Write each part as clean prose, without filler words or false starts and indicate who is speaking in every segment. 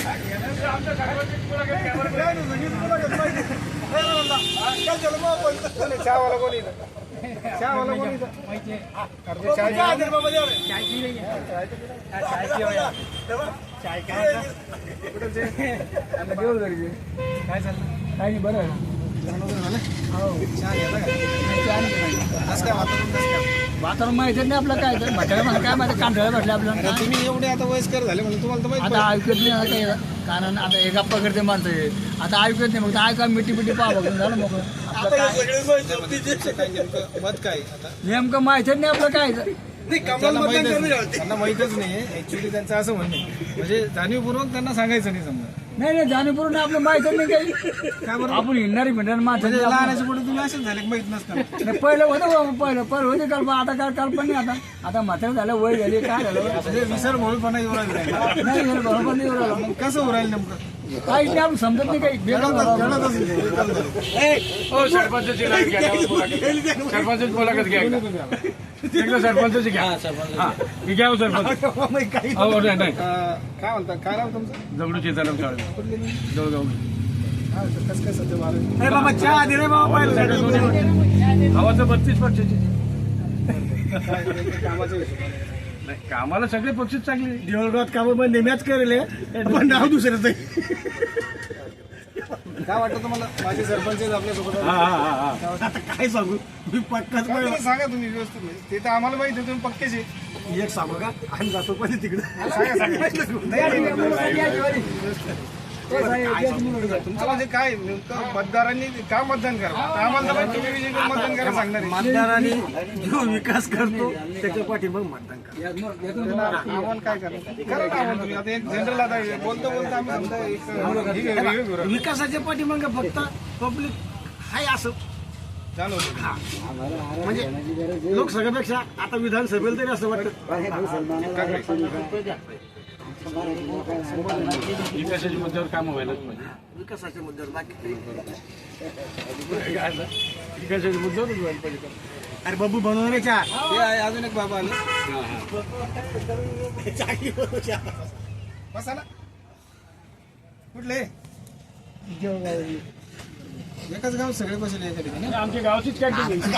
Speaker 1: चहावाला कोणी चहावाला कोणी काय चाललं काय नाही बरं वातावरण माहिती नाही आपलं काय म्हटलं मला काय माहिती कांदळ्या म्हटलं आपल्याला तुम्ही एवढे आता वयस्कर झाले म्हणजे तुम्हाला आता ऐकत नाही आता कारण आता हे गप्पा करते माणसं आता ऐकत नाही मग ऐका मिठी मिठी पाहा बघून झालं मग मत काय नेमकं माहितीच नाही आपलं काय त्यांना माहितच नाही ऍक्च्युली त्यांचं असं म्हणणं म्हणजे जाणीवपूर्वक त्यांना सांगायचं नाही समजा नाही जाणीवपूर्वक आपलं माहितच नाही काही काय बरं आपण हिंडणारी भिंडणार माणसं लहानाच्या पुढे तुम्ही असंच झाले माहित नसतं पहिलं होतं पहिलं होते कल्पना आता काय कल्पना नाही आता म्हातारं झालं वय झाली काय झालं विसर म्हणूनपणा येऊ लागला नाही बरोबर नाही येऊ लागला मग कसं उरायला नेमकं काही नाही आपण समजत नाही काही
Speaker 2: सरपंचाची सरपंच मुलाखत घ्या सरपंचाची घ्या मी घ्या सरपंच नाही
Speaker 1: काय म्हणता काय नाव तुमचं
Speaker 2: दगडू शेताराम जवळगाव
Speaker 1: कसं काय सध्या बाबा चहा दे रे बाबा
Speaker 2: हवाचं 32%
Speaker 1: कामाचं
Speaker 2: कामाला सगळे पक्षच चांगले
Speaker 1: देवळगावात कामं पण नेम्याच करेल पण नाव दुसऱ्याच काय वाटतं तुम्हाला माझे सरपंच आपल्यासोबत आता काय सांगू मी पक्काच सांगा तुम्ही व्यवस्थित ते तर आम्हाला माहिती आहे तुम्ही पक्केचे एक सांगू का आम्ही जातो पण तिकडे तुमचं म्हणजे काय नेमकं मतदारांनी का मतदान करा आम्हाला तुम्ही मतदान करा सांगणार मतदारांनी जो विकास करतो त्याच्या पाठी मग मतदान करा आव्हान काय करा तुम्ही आता एक जनरल आता बोलतो आम्ही विकासाच्या पाठी मग फक्त पब्लिक हाय असं चालू म्हणजे लोकसभेपेक्षा आता विधानसभेला तरी असं वाटतं
Speaker 2: विकासाच्या मुद्द्यावर काम व्हायलाच पाहिजे
Speaker 1: विकासाच्या मुद्द्यावर बाकी
Speaker 2: विकासाच्या मुद्द्यावरच व्हायला पाहिजे
Speaker 1: अरे बाबू बनवणारे चहा अजून एक बाबा आले बसा ना कुठले एकच गाव सगळे बसले एका ठिकाणी
Speaker 2: आमच्या गावाचीच काय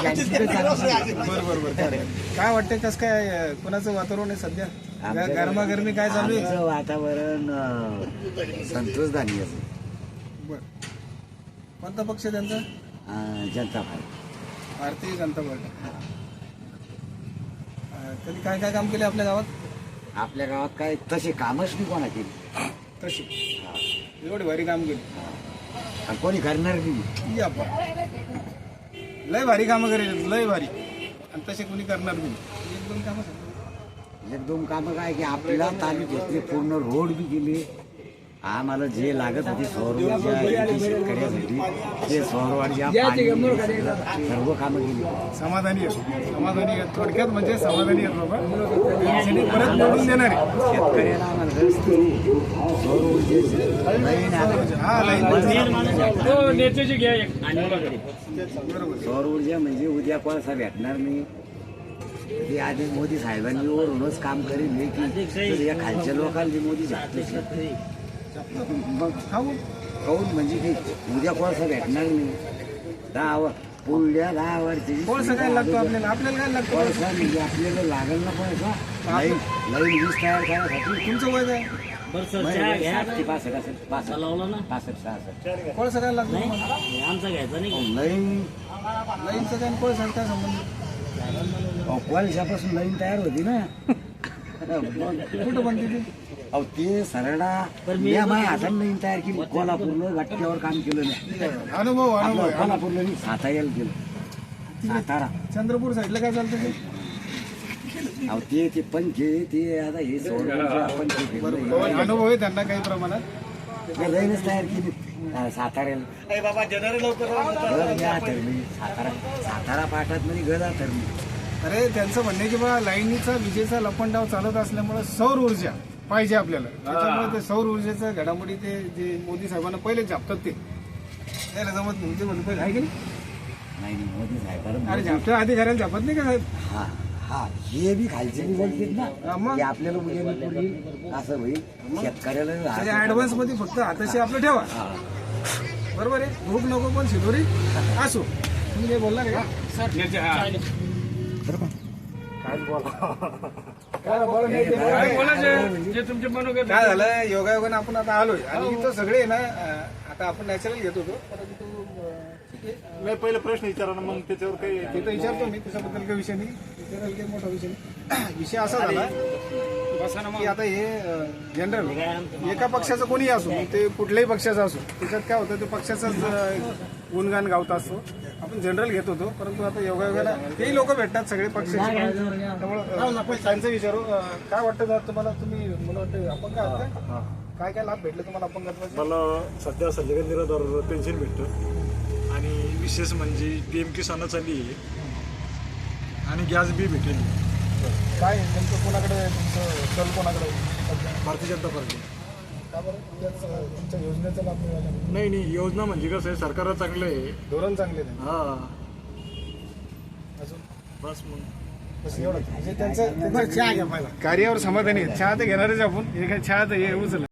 Speaker 1: बरोबर काय वाटतंय कसं काय कोणाचं वातावरण आहे सध्या गरमागरमी काय चालू आहे
Speaker 3: वातावरण संतोषदानी आहे
Speaker 1: बर कोणता पक्ष त्यांचा
Speaker 3: जनता पार्टी
Speaker 1: भारतीय जनता पार्टी कधी काय काय काम केले आपल्या गावात
Speaker 3: आपल्या गावात काय तसे कामच नाही कोणा केली
Speaker 1: तशी एवढी भारी काम केली
Speaker 3: आणि कोणी करणार नाही
Speaker 1: लय भारी कामं करेल लय भारी आणि तसे कोणी करणार नाही एक दोन कामं
Speaker 3: एक दोन कामं काय की आपल्याला तालुक्यातले पूर्ण रोड बी केले आम्हाला जे लागत होती सौर ऊर्जा शेतकऱ्यासाठी ते सौर ऊर्जा सर्व कामं केली
Speaker 1: समाधानी आहेत थोडक्यात म्हणजे समाधानी आहेत बाबा परत निवडून देणार
Speaker 3: शेतकऱ्याला आम्हाला सौर सौर ऊर्जा म्हणजे उद्या कोळसा भेटणार नाही ते आधी मोदी साहेबांनी वरूनच काम करेल की या खालच्या लोकांनी मोदी झाले मग काऊन म्हणजे की उद्या कोळसा भेटणार नाही पुढल्या 10 वर्षी
Speaker 1: कोळसा काय लागतो आपल्याला काय लागतो
Speaker 3: कोळसा म्हणजे आपल्याला लागेल ना कोळसा लाईन वीज तयार करायसाठी
Speaker 1: तुमचं वय काय
Speaker 3: 65 असेल 65
Speaker 1: कोळसा काय लागतो
Speaker 3: आमचा घ्यायचा नाही
Speaker 1: लाईनचं काय कोळसा काय संबंध
Speaker 3: कोळशापासून लाईन तयार होती ना
Speaker 1: कुठं बनते ती
Speaker 3: अहो ते सरडा माझ्या हाताने लाईन तयार केली कोल्हापूरनं घटक्यावर काम केलं नाही
Speaker 1: अनुभव
Speaker 3: कोल्हापूरला नाही साताऱ्याला केलं सातारा
Speaker 1: चंद्रपूर साईडला काय चालतं ते
Speaker 3: अहो ते पंखे ते आता हे पंखे
Speaker 1: अनुभव आहे त्यांना काही प्रमाणात
Speaker 3: लाईनच तयार केली साताऱ्याला सातारा पाठात मध्ये गदा ठरली
Speaker 1: अरे त्यांचं म्हणणे की बा लाईनीचा विजेचा लपंडाव चालत असल्यामुळे सौर ऊर्जा पाहिजे आपल्याला त्याच्यामुळे ते सौर ऊर्जेचा घडामोडी ते जे मोदी साहेबांना पहिले झापतात ते त्याला जमत नाही ते म्हणून पहिले आहे की
Speaker 3: नाही मोदी साहेब
Speaker 1: अरे झापच्या आधी घराला झापत नाही का साहेब
Speaker 3: हा हे बी खालचे बी बोलतील
Speaker 1: हा,
Speaker 3: ना
Speaker 1: मग?
Speaker 3: की आपल्याला उद्या नोकरी येईल, असं होईल शेतकऱ्याला
Speaker 1: ऍडव्हान्स मध्ये फक्त हाताशी आपलं ठेवा.
Speaker 3: हा.
Speaker 1: बरोबर आहे. भूक नको पण शिदोरी असो. तुम्ही काही बोलला का? काय
Speaker 2: बोलायचं जे तुमचे मनोगत
Speaker 1: काय झालं, योगायोगाने आपण आता आलोय आणि इथं सगळे आहे ना आता आपण नॅचरल घेत होतो, परंतु ठीक आहे.
Speaker 4: नाही पहिले प्रश्न विचारा ना, मग त्याच्यावर काही
Speaker 1: ते तर विचारतो मी, त्याच्याबद्दल काही विषय नाही, विचारायला काही मोठा विषय नाही. विषय असा झाला की आता हे जनरल एका पक्षाचं कोणीही असो, ते कुठल्याही पक्षाचं असो, त्याच्यात काय होतं ते पक्षाचाच गुणगान गावत असतो. आपण जनरल घेत होतो, परंतु आता योगायोगाला तेही लोक भेटतात सगळे पक्षाचे. त्यामुळे त्यांचं विचारू काय वाटतं जर तुम्हाला, तुम्ही मला वाटतं अपंग आहात का? काय काय लाभ भेटले तुम्हाला अपंगत्वाचे?
Speaker 4: मला सध्या संजय निराधार पेन्शन भेटतं आणि विशेष म्हणजे पीएम किसान चालली आहे आणि गॅस बी भेटेल.
Speaker 1: काय नेमकं कोणाकडे तुमचं कल कोणाकडे सध्या?
Speaker 4: भारतीय जनता पार्टी.
Speaker 1: का बरं? त्याच तुमच्या योजनेचा लाभ मिळाला नाही.
Speaker 4: नाही योजना म्हणजे कसं आहे, सरकार चांगलं आहे.
Speaker 1: धोरण चांगले नाही
Speaker 4: हा
Speaker 1: अजून
Speaker 4: बस मग
Speaker 1: बस एवढं म्हणजे त्यांचं कार्यावर समाधानी आहेत. चहा तर घेणारच आपण, हे काय चहा तर हे उचल